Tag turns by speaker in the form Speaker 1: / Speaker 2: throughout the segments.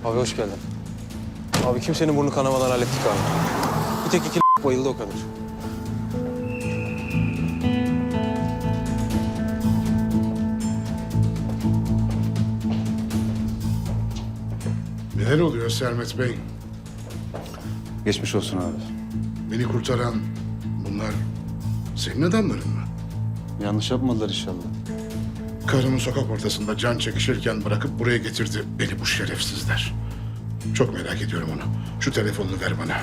Speaker 1: Abi hoş geldin. Abi kimsenin burnu kanamadan hallettik abi. Bir tek iki bayıldı o kadar.
Speaker 2: Neler oluyor Sermet Bey?
Speaker 3: Geçmiş olsun abi.
Speaker 2: Beni kurtaran bunlar senin adamların mı?
Speaker 3: Yanlış yapmadılar inşallah.
Speaker 2: Karımı sokak ortasında can çekişirken bırakıp buraya getirdi beni bu şerefsizler. Çok merak ediyorum onu. Şu telefonunu ver bana.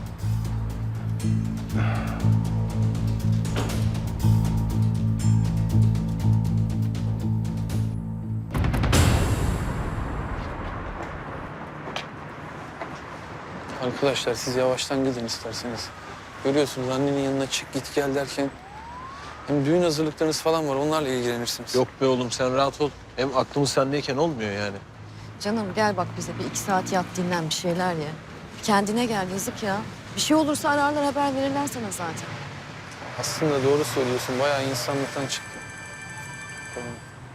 Speaker 1: Arkadaşlar siz yavaştan gidin isterseniz. Görüyorsunuz annenin yanına çık git gel derken... Hem düğün hazırlıklarınız falan var onlarla ilgilenirsiniz.
Speaker 4: Yok be oğlum sen rahat ol. Hem aklımız sendeyken olmuyor yani.
Speaker 5: Canım gel bak bize bir 2 saat yat dinlen bir şeyler ye. Kendine gel yazık ya. Bir şey olursa ararlar haber verirler sana zaten.
Speaker 1: Aslında doğru söylüyorsun. Bayağı insanlıktan çıktı. Tamam.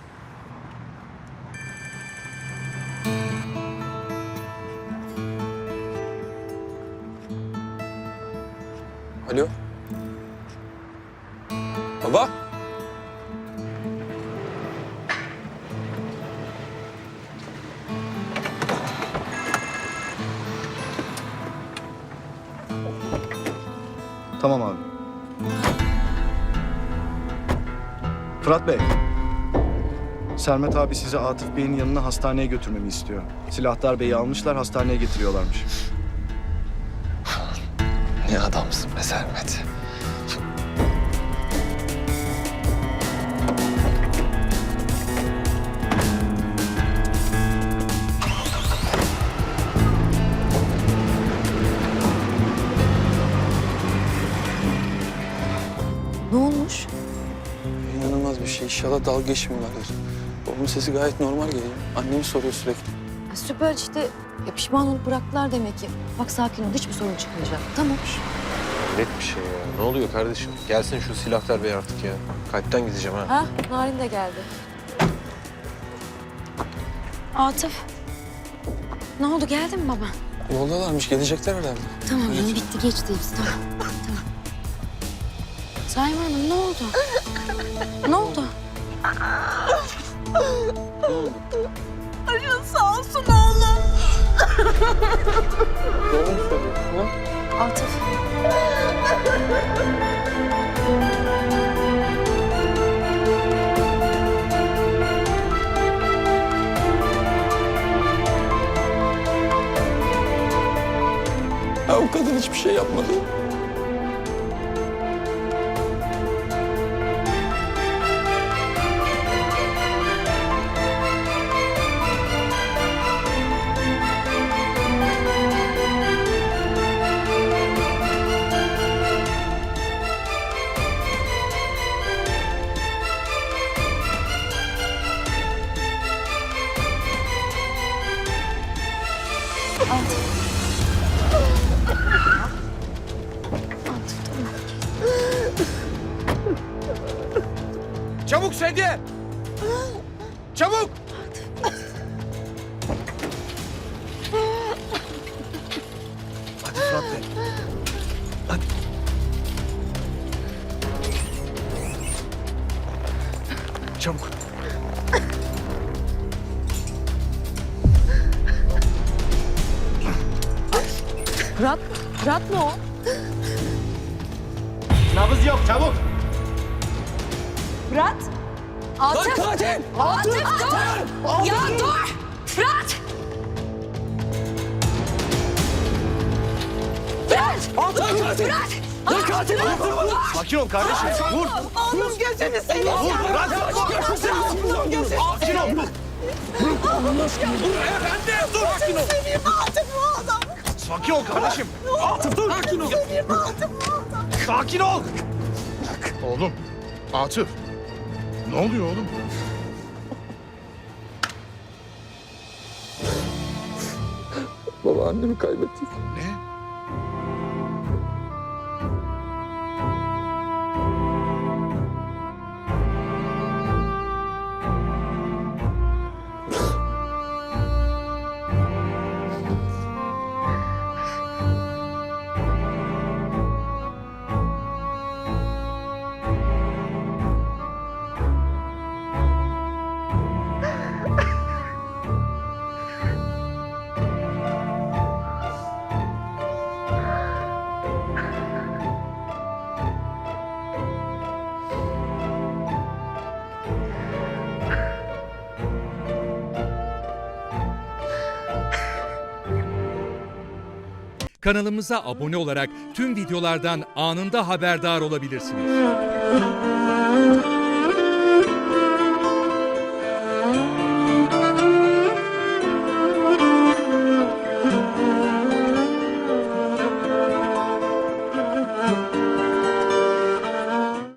Speaker 1: Alo? Baba?
Speaker 6: Tamam abi. Fırat Bey. Sermet abi sizi Atıf Bey'in yanına hastaneye götürmemi istiyor. Silahtar Bey'i almışlar, hastaneye getiriyorlarmış.
Speaker 4: Ne adamsın be Sermet.
Speaker 5: Ne olmuş?
Speaker 1: İnanılmaz bir şey. İnşallah dalga geçmiyorlardır. Babamın sesi gayet normal geliyor. Annemi soruyor sürekli.
Speaker 5: Ha, süper işte. Ya pişman olup bıraktılar demek ki. Bak sakin ol hiçbir sorun çıkmayacak. Tamam.
Speaker 4: Net bir şey ya. Ne oluyor kardeşim? Gelsin şu silahlar bey artık ya. Kalpten gideceğim ha.
Speaker 5: Ha Narin de geldi. Atıf. Ne oldu geldi mi baba?
Speaker 1: Yoldalarmış. Gelecekler herhalde.
Speaker 5: Tamam
Speaker 1: Evet.
Speaker 5: canım bitti geçti hepsi tamam. Tamam. Saime Hanım ne oldu? Ne oldu?
Speaker 1: Doğru mu söylüyorsun? Ha?
Speaker 5: Atıf.
Speaker 1: Ha, o kadın hiçbir şey yapmadı.
Speaker 4: Çabuk sedye! Çabuk!
Speaker 6: Hadi Fırat Bey. Hadi. Çabuk.
Speaker 5: Fırat. Fırat mı o?
Speaker 6: Nabız yok, çabuk.
Speaker 5: Fırat. Atıf.
Speaker 1: Katil!
Speaker 5: Atıf dur. Ya dur. Fırat. Fırat.
Speaker 1: Katil!
Speaker 5: Fırat.
Speaker 1: Ya katil!
Speaker 6: Sakin ol kardeşim. Vur.
Speaker 5: Oğlum gözünü seveyim.
Speaker 6: Vur. Bırak. Sakin ol. Sakin ol kardeşim. Atıf dur. Sakin ol. Sakin ol.
Speaker 2: Oğlum, Atıf. Ne oluyor oğlum?
Speaker 1: Baba annemi kaybettik.
Speaker 2: Ne?
Speaker 7: Kanalımıza abone olarak tüm videolardan anında haberdar olabilirsiniz.